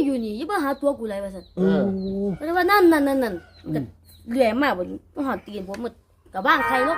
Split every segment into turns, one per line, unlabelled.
อยู่นี่อย่ามาหาตัวกูเลยว่าซั่น
เออ
แล้วว่านั่นก็เลื่อยมาบ่มาหอดตีนผมหมดก็บ้างใครลง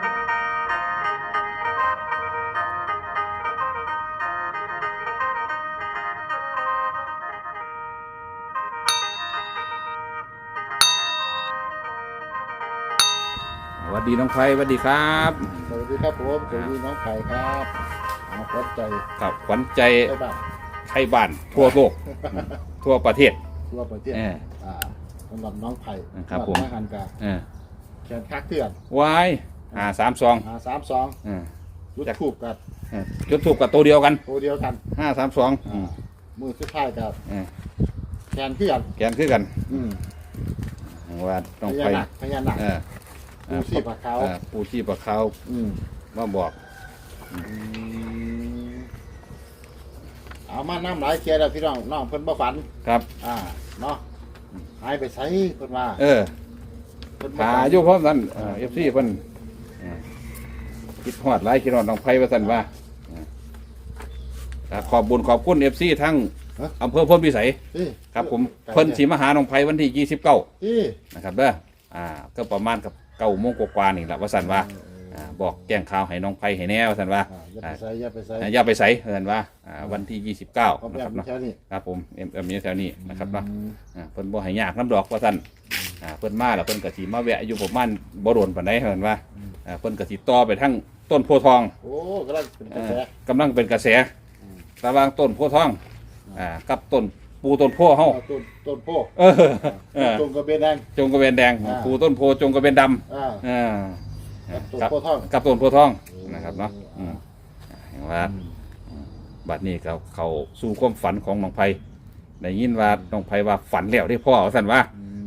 สวัสดีน้องไฟสวัสดีครับ
สวัสดีครับผมสวัสดีน้องไข่ครับเอาขวัญใจ
ครับขวัญใจ
ใช่บ้าน
ไทยบ้านทั่วโลก ทั่วประเทศ
ทั่วประเทศสำหรับน้องไผ่
ครับผม
หันกา
เออ
แขนคักเถื่อน
วาย532
3-2
เออ
ยุดถูกกับ
จุดถูกกับตัวเดียวกัน
ตัวเดียวกัน
532
มือสุดท้ายกับ
เออ
แขนเถื่อน
แกนคือกัน
อืม
ว่าน้อง
พ
ไฟ
ญานาค
เออ
ปูชีพเขา
ปูชีพเขา
อืม
มาบอก
เอามาน้ำหลายเชียร์แล้วพี่น้องน้องเพิ่นบ่ฝัน
ครับ
เนาะหายไปไสเพิ่นว่า
เออ
เพิ่นบ่
หา
ฝัน
อยู่พร้อมกันFC เพิ่นคิดฮอดหลายคิดฮอดน้องไฟว่าซั่นว่าขอบบุญขอบคุณ FC ทั้งอำเภอพลพิสัย
นี่
ครับผมเพิ่นสิมาหาน้องไผวันที่29
นี่
นะครับเด้อก็ประมาณกับ9 โมงกว่าๆนี่แหละว่าซั่นว่าบอกแจ้งข่าวให้น้องไผให้แน่ว่าซั่นว่า
อย่าไปใส่
อย่าไปใส่ว่าซั่นว่าวันที่29
เขา
นะ
แบ
ครับ
บ
เนาะ
แค่นี้
ครับผมมีแถวนี้นะครับเนาะเพิ่นบ่ให้ยากน้ำดอกว่าซั่นเพิ่นมาแล้วเพิ่นก็สิมาแวะอยู่ประมาณบ่โดนปานใดว่าซั่นว่าเพิ่นก็สิต่อไปทั้งต้นโพธิ์ทอง
โอ้กำลังเป็นกระแส
กำลังเป็นกระแสระหว่างต้นโพธิ์ทองกับต้นปูต้นโพเฮา
ต้นโพ
เออ
ต้นกระเบนแดง
จงกระเบนแดงปูต้นโพจงกระเบนดำ
ต้นโพทอง
กับต้นโพทองนะครับเนาะเห็นว่าบัดนี้เขาสู่ความฝันของน้องไผ่ได้ยินว่าน้องไผ่ว่าฝันแล้วได้พ่อสั่นว่า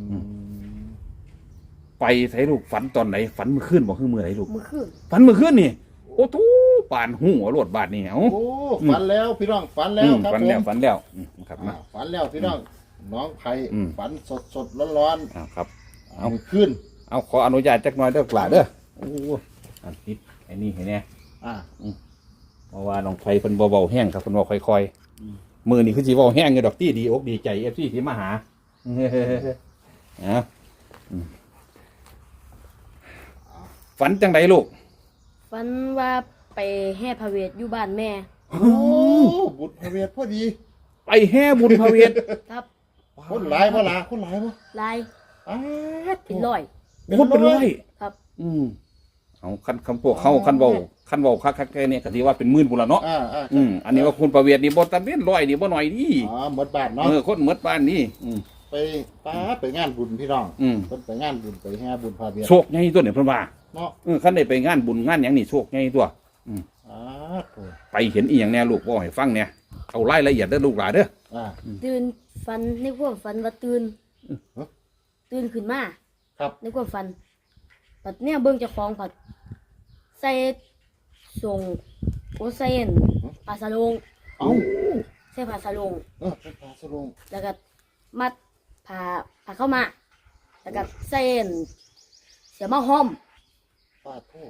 ไปใส่ลูกฝันตอนไหนฝันเมื่อคืนบอกคือเมื่อไหร่ลูก
มื้อคืน
ฝันเมื่อคืนนี่โอ้ทูป่านหูหัวโลดบาดนี่เอ้า
โอ้ฝันแล้วพี่น้องฝันแล้วครับ
ฝัน
ผม
แล้วฝันแล้วครับนะ
ฝันแล้วพี่น้องน้องไผ่ ฝันสดร้อน
ครับ
เอาขึ้น
เอาขออนุญาตจักหน่อยเด้อกล่าเด้อโอ้อันนี้ไอ้นี่เห็นแน่ เพราะว่าน้องไผ่เพิ่นเบาๆแห้งครับเพิ่นบอกค่อยๆมือนี่คือสิเบาแห้งอยู่ดอกตี้ดีอกดีใจ FC ที่มาหาฝันจังไดลูก
ฝันว่าไปแห่พระเวทอยู่บ้านแม่
โอ้บุตรพระเวทพอดี
ไปแห่บุญพระเวท
ครับ
คนหลายบ่ล่ะคนหลายบ่
ลาย เป็น
ร้
ร้อย
คนเป็นร้อย
ครับ
เอาคันพวกเขาคันเว้าคักๆแค่นี้ก็สิว่าเป็นหมื่นพุ่นละเนาะ อันนี้ว่าคุณประเวทนี่บ่ตะเป็นร้อยนี่บ่น้อยนี่
หมดบ้านเนาะ
คนหมดบ้านนี่
ไปไปงานบุญพี่น้องเพิ่นไปงานบุญไปแห่บุญพระเวท
โชคใหญ่ตัวเนี่ยเพิ่นว่า
เนาะ
คันได้ไปงานบุญงานหยังนี่โชคใหญ่ตัว
โอ้
ไปเห็นอีหยังแน่ลูกบ่ให้ฟังเนี่ยเอารายละเอียดเด้อลูกหลานเด้อ
ตื่นฝันในความฝันว่าตื่นขึ้นมา
ครับ
ในความฝันปัดเนี่ยเบิ่งเจ้าของผัดใส่ส่งโอใส่อันปลาสะโลง
เอ้า
ใส่ปลาสะโลง
เป็นปลาสลง
แล้วก็มัดผ้าเข้ามา แล้วก็ใส่อันเสียมาห้อม
ปลาโท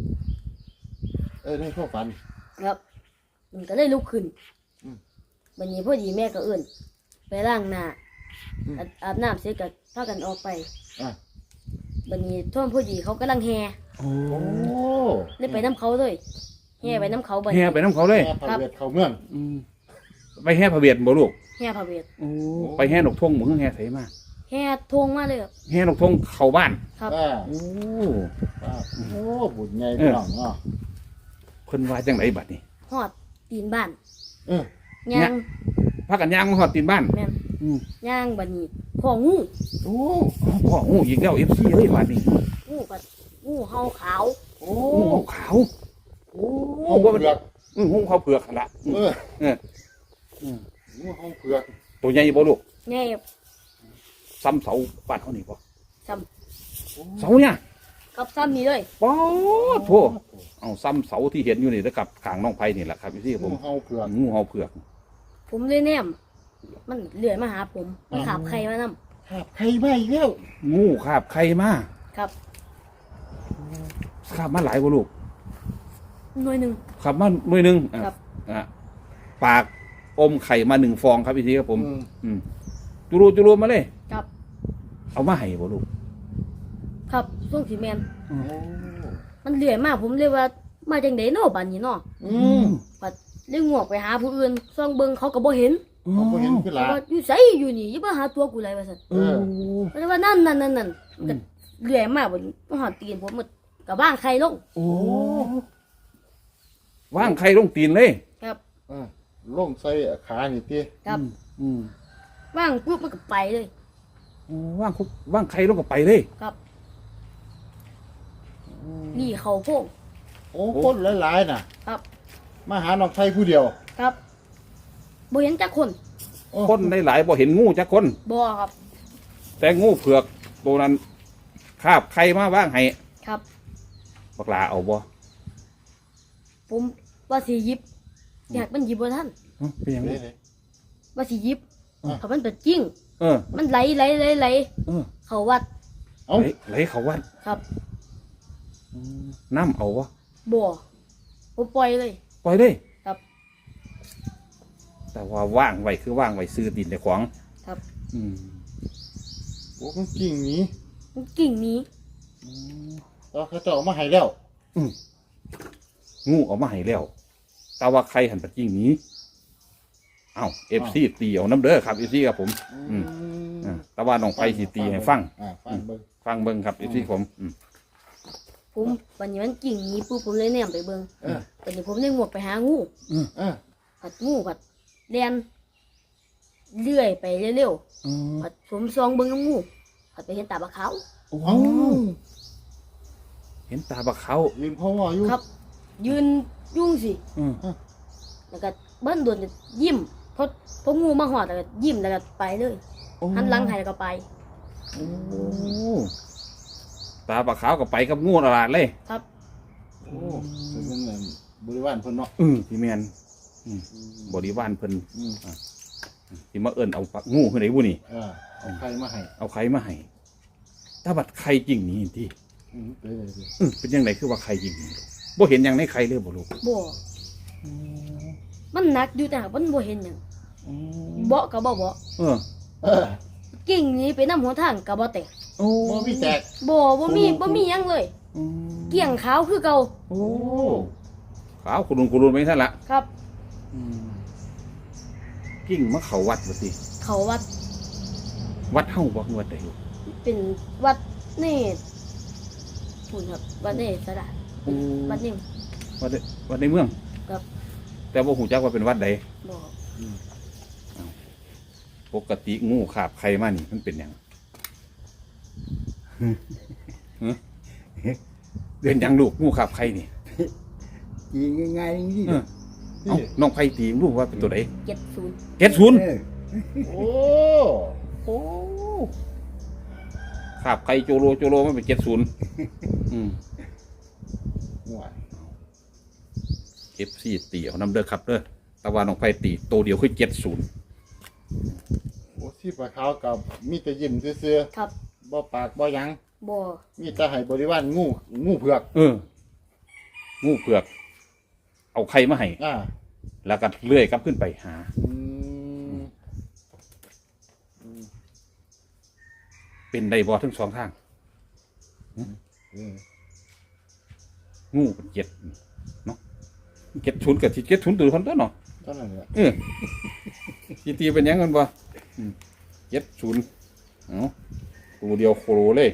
ในความฝัน
ครับมันก็เลยลุกขึ้น วันนี้พอดีแม่ก็เอื่นไปล้างหน้าอาบน้ำเสร็จก็พากันออกไปวันนี้ท่วมพอดีเขากำลังแห่
โอ้
เลยไปน้ำเขาเลยแห่ไปน้ำเขาบัด
แห่ไปน้ำเขาเลย
พระเวทเข้าเมือง
ไปแห่พระเวทบ่ลูก
แห่พระเวท
ไปแห่นกทงบ่คือแห่ไสมา
แห่ทงมาเลยครับ
แห่นกทงเข้าบ้าน
ครับ
โอ้
โอ้บุญใหญ่พี่น้องเนาะ
เพิ่นว่าจังไดบัดนี้
หอดตีนบ้าน
เนี่ย
ย่าง
พากันย่างมาฮอดตีนบ้าน
แม่นย่างบัดนี้พ่องู
โอ้
พ่องูอีกแล้ว FC เอ้ยบัดนี้
งูกัดงูเห่าขาว
โอ้
งูขาว
โอ้เผือก
งูเขาเผือกหั่นล่ะ
งูห้องเผือก
ตัวใหญ่บ่ลูก
แง่
ซ้ำเสาบ้านเฮานี่บ่
ซ้
เสาเนี่ย
ำกับซ้ำนี่เลย
ป๊อดโธเอาซ้ำเสาที่เห็นอยู่นี่แล้วกับข้างน้องไผนี่แหละครับพี่ผม
งูห้องเผือก
งูเห่าเผือก
ผมเลยแนมมันเลื่อยมาหาผมมันขาบใครมานำ
ครับใครมาอีกแล้ว
งูคาบใครมา
ครับ
คาบมาหลายกว่าลูก
หน่วยหนึ่ง
คาบมาหน่วยหนึง
ครับ
ปากอมไข่มา1 ฟองครับพี่ทีครับผม
อืม
อืมจุรูมาเลย
ครับ
เอามาให้บ่ลูก
ครับส่งสีแมน
โอ้
มันเลื่อยมากผมเลยว่ามาจังไดเนาะบัดนี้เนาะ
อืม
ปัดเลยงวกไปหาผู้อื่นส่องเบิ่งเขาก็บ่เห็น
เขาบ่เห็นคือหลา
ว่าอยู่ไสอยู่นี่อย่ามาหาตัวกูเลยว่าซั่น
เออ
เพราะว่านั่นมันก็เลื่อยมากบ่มาหอดตีนผมมันก็บ้างใครลง
โอ้ว่างไข่ลงตีนเลย
ครับ
อ่าลงใส่ขานี่ติ
ครับ
อืม
ว่างปุ๊บมันก็ไปเลย
โอ้ว่างไข่ลงก็ไปเลย
ครับ นี่เขาโพง
โอ้คนหลายๆน่ะ
ครับ
มาหาน้องไทยผู้เดียว
ครับบ่เห็นจักคน
โอ้
คนได้หลายบ่เห็นงูจักคน
บ่ครับ
แต่งูเผือกตัวนั้นคาบไข่มาว่างให้
ครับ
บักลาเอาบ่
ผมว่าสิหยิบอยากมันหยิบบ่ทัน
เป็นหยังไง
เด้
ว่าสิหยิบ
อ่ะ
เขามันเป็นจริง
เออ
มันไหล
เออ
เขาวัด
เอ้า
ไหลเขาวัด
ครับ
น้ำเอาบ่
บ่ผมปล่อยเลย
ปล่อยเลย
ครับ
แต่ว่าว่างไว้คือว่างไว้ซื้อดินในขวาง
ครับ
อืม
โอ้มันกิ่งหนี้
มันกิ่งหนี้
แล้วเขาเจ้าเอามาให้แล้ว
งูเอามาให้แล้วแต่ว่าใครหันปัดจริงหนี้เอ้าเอฟซีตีเอาน้ำเด้อครับเอฟซีครับผม อืม แต่ว่าน้องไฟสิตีให้ฟัง
ฟังเบิ่ง
ฟังเบิ่งครับเอฟซีผม
ผมวันนี้มันกิ่งหนี้ปุ๊บผมเลยแนมไปเบิ่ง
เออ
ตอนนี้ผมได้งวกไปหางู
เออ
ผัดงูผัดเลียนเลื่อยไปเร็วๆผัดผมซองเบิ่งกับงูผัดไปเห็นตาบะขาว
เอ้า
เห็นตาบักเขา
ยืนพ่อว่าอยู่
ครับ ยืนยุ่งสิ
อืม
แล้วก็เบิ้นโดนยิ้มพองูมาหอดแล้วก็ยิ้มแล้วก็ไปเลยหันหลังให้แล้วก็ไป
โอ้ตาบักขาวก็ไปกับงูตลาดเลย
ครับ
โอ้เป็นเงินบริวารเพิ่นเนาะ
พี่แมนบริวารเพิ่น
อืม
ที่มาเอิ้นเอาปักงูขึ้นไหนบุนี่
เอาใครมาให้
เอาไข่มาให้ตาบัดไข่จริงนี่ที่
ไปเลยสิ
เป็นยังไงคือว่าไข่จริงนี่บ่เห็นหยังในไข่เลยบ่ลูก
บ่มันหนักอยู่แต่มันบ่เห็นหยังเบาะก็บ่เบาะ
เออ
เออ
กิ่งหนี้ไปน้ำหัวทางก็บ่แตก
โอ้
บ่มีแตก
บ่มีหยังเลย เกี่ยงขาวคือเก่า
โอ้ขาวคุณลุนไปท่านละ
ครับ
กิ้งมาเขาวัดบ่สิ
เขาวัด
วัดเฮาบ่วัดใดลูก
เป็นวัดนี่ปุ่นครับวัดนี่สระวัดนี่
วัดในเมือง
ครับ
แต่บ่ฮู้จักว่าเป็นวัดใด
บ่
ปกติงูขาบไข่มานี่มันเป็นหยังเป็นหยังลูกงูขาบไข่นี่
ยิงง่ายๆนี่
เออเอาน้องไผ่ตีลูกว่าเป็นตัวใด
70
70
เออ
โอ้
โอ้ขาบไข่โจโลมันเป็น70
ห่วย
FC ตีเอาน้ำเด้อครับเด้อแต่ว่าน้องไผ่ตีตัวเดียวคือ70
โอ้ที่ปลาขาวกับมีแต่ยิ้มซื่อ
ครับ
ๆบ่ปากบ่หยัง
บ่
มีแต่ให้บริวารงูเผือก
งูเผือก เอาไข่มาให้ แล้วก็เลื่อยกลับขึ้นไปหา
อืม
เป็นไดบอทั้งสองทาง
เออ
งูเป็น7เนาะ70กับ70ตัวคนตัวเนาะ
เท่านั้นแหละ
สิตีเป็นหยังกันบ่70เอาตัวเดียวโคโลเลย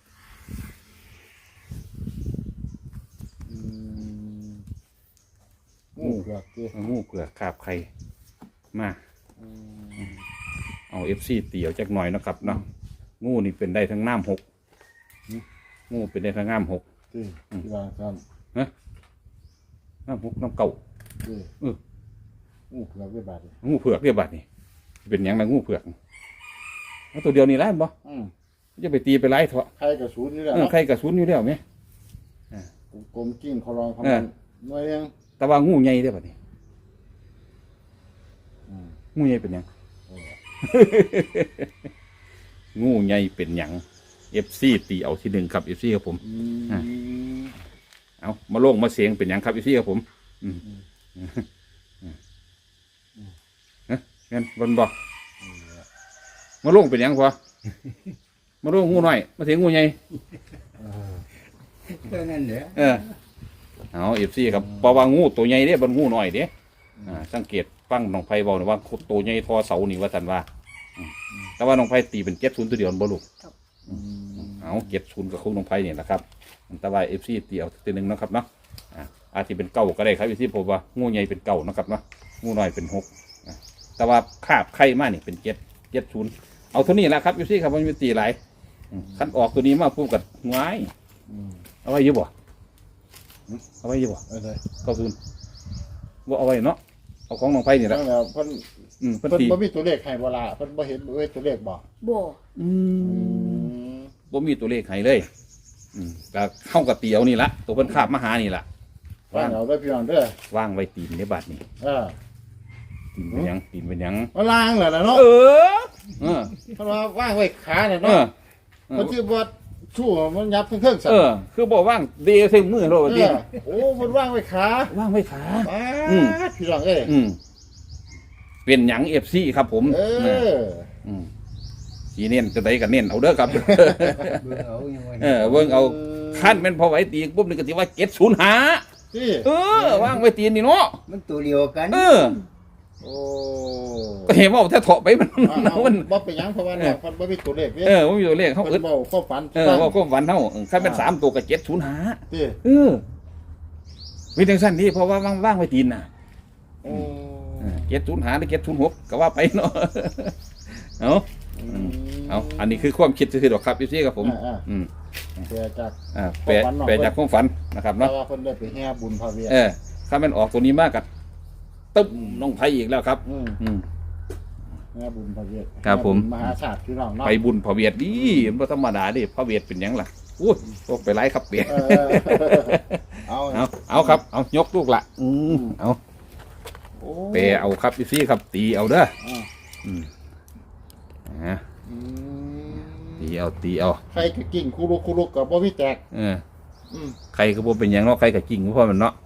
อืมงูเผือกดิ
งูเผือกคาบไข่มา
อืม
เอา FC ตีเอาจักหน่อยเนาะครับเนาะงูนี่เป็นได้ทั้งน้ำ6งูเป็นได้ทั้งน้ำ6
ที่ที่ว่าครับ
น้ำ6น้ำเก่า
ที่
เออ
งูเผือกด้วยบาดนี่
งูเผือกเรียบบัดนี่เป็นหยังนะงูเผือกเอาตัวเดียวนี่ไล่บ่
อืม
จะไปตีไปไล่เถอะ
ใครกับศูนย์นี่แหละ
ใครกระสุนอยู่แล้วไหม
กลมกิ้งเขาลองเขา
เออ
หน่วยยัง
แต่ว่างูใหญ่ได้อบัดนี้
อืม
งูใหญ่เป็นหยัง
เออ
งูใหญ่เป็นหยัง FC ตีเอาที่1ครับ FC ครับผม
อืม
เอามาโล่งมาเสียงเป็นหยังครับ FC ครับผมงั้นบนบอกมาลงเป็นหยังพอมาลงงูหน่อยมาถึงงูใหญ่
ก็นั่นแหละ
เอาเอฟซีครับเพราะว่างูตัวใหญ่เด้บนงูหน่อยเด้สังเกตฟังน้องไผ่บอกนะว่าตัวใหญ่ทอเสานี่ว่าสันว่าแต่ว่าน้องไผ่ตีเป็น70ตัวเดียวบ่ลูกเอา70กับคู่น้องไผ่นี่แหละครับแต่ว่าเอฟซีตีเอาตัวหนึ่งนะครับเนาะอาจจะเป็นเก่าก็ได้ครับเอฟซีผมว่างูใหญ่เป็นเก่านะครับเนาะงูน้อยเป็น6แต่ว่าคาบไข่มานี่เป็น70เอาเท่านี้แหละครับเอฟซีครับมันมีตีหลายคันออกตัวนี้มาพูดกับง่ายเอาไว้อยุบบ่เอาไว้อยุบบ่
เลย
ว่าเอาไว้เนาะเอาของน้องไผ่นี่แหละ
แล้วเพิ่น
เพิ่น
เพิ่น
ตี
บ่มีตัวเลขให้บ่ล่ะเพิ่นบ่เห็นตัวเลขบ่
บ่
บ่มีตัวเลขให้เลยก็เข้ากับเตียวนี่ละตัวเพิ่นคาบมาหานี่ละ
ว่างเอาเด้อพี่น้องเด้อ
ว่างไว้ตีนในบัดนี่
เออ
ตีนเป็นหยังตีนเป็นหยัง
มาล้างแล้วล่ะเนาะ
เออ
เพิ่นว่าว่างไว้ขาน่ะ
เอ
เนาะ
อ
เพิ่นสิบ่ชู้มันยับทั้งเครื่องสั่น
คือบอกว่างเดย์ใส่มือเราดิ
โอ้เพิ่นว่างไว้ขา
ว่างไว้ขา
ป๊าดพี่น้องเอ้ย
เป็นหยังFC ครับผม
เออ
สีเน้นจะได้กันเน้นเอาเด้อครับ
เบิ่งเอายังไง
เบิ่งเอาขั้นเป็นพอไหวตีปุ๊บนี่ก็สิว่า705
ที่
ว่างไว้ตีนนี่เนาะ
มันตัวเดียวกัน
โอ้
ก็เห็นว่าถ้าเถาะไปมัน มัน
บ่เป็นหยังเพราะว่าเนี่ยเพิ่นบ่มีตัวเลขเด้
ว่ามีตัวเลขเขา
เพิ่
อึด
นเว้าความฝัน
ว่าก็ฝันเท่าขั้นเป็น3ตัวกับ705
ที่
วิธีสั้นนี่เพราะว่าว่างไว้ตีนน่ะ
โอ้
705หรือ706ก็ว่าไปเนาะเอาอันนี้คือความคิดซื่อๆดอกครับพี่ครับผม
แปลจาก
แปลจากความฝันนะครับ
เพราะ
เนาะ
ว่าเพิ่นได้ไปแห่บุญพระเวท
ถ้ามันออกตัวนี้มากกับตึ้มน้องไผ่อีกแล้วครับ
แห่บุญพระเวท
ครับผม
มหาศาสตร์พี่น้องเนาะ
ไปบุญพระเวทดีมันบ่ธรรมดาดิพระเวทเป็นหยังล่ะอู้ตกไปไล่ครับเปีย
เอา
เอาครับเอายกลูกละเอาเปเอาครับพี่ครับตีเอาเด้อตีเอา
ใครก็กิ่งคุรุกับบ่มีแตก
ใครก็บ่เป็นหยังเนาะใครก็จริงเพราะมันเนาะ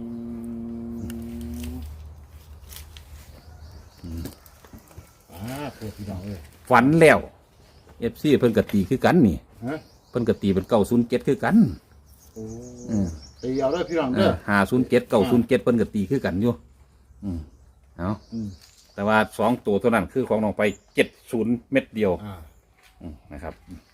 พี่น้องเอ้ย
ฝันแล้วFCเพิ่นก็ตีคือกันนี่
ฮะ
เพิ่นก็ตีเป็น907คือกัน
โอ้ตีเอาเด้อพี่น้องเด้อ
507 907เพิ่นก็ตีคือกันอยู่เอาแต่ว่า2ตัวเท่านั้นคือของน้องไป70เม็ดเดียวนะครับ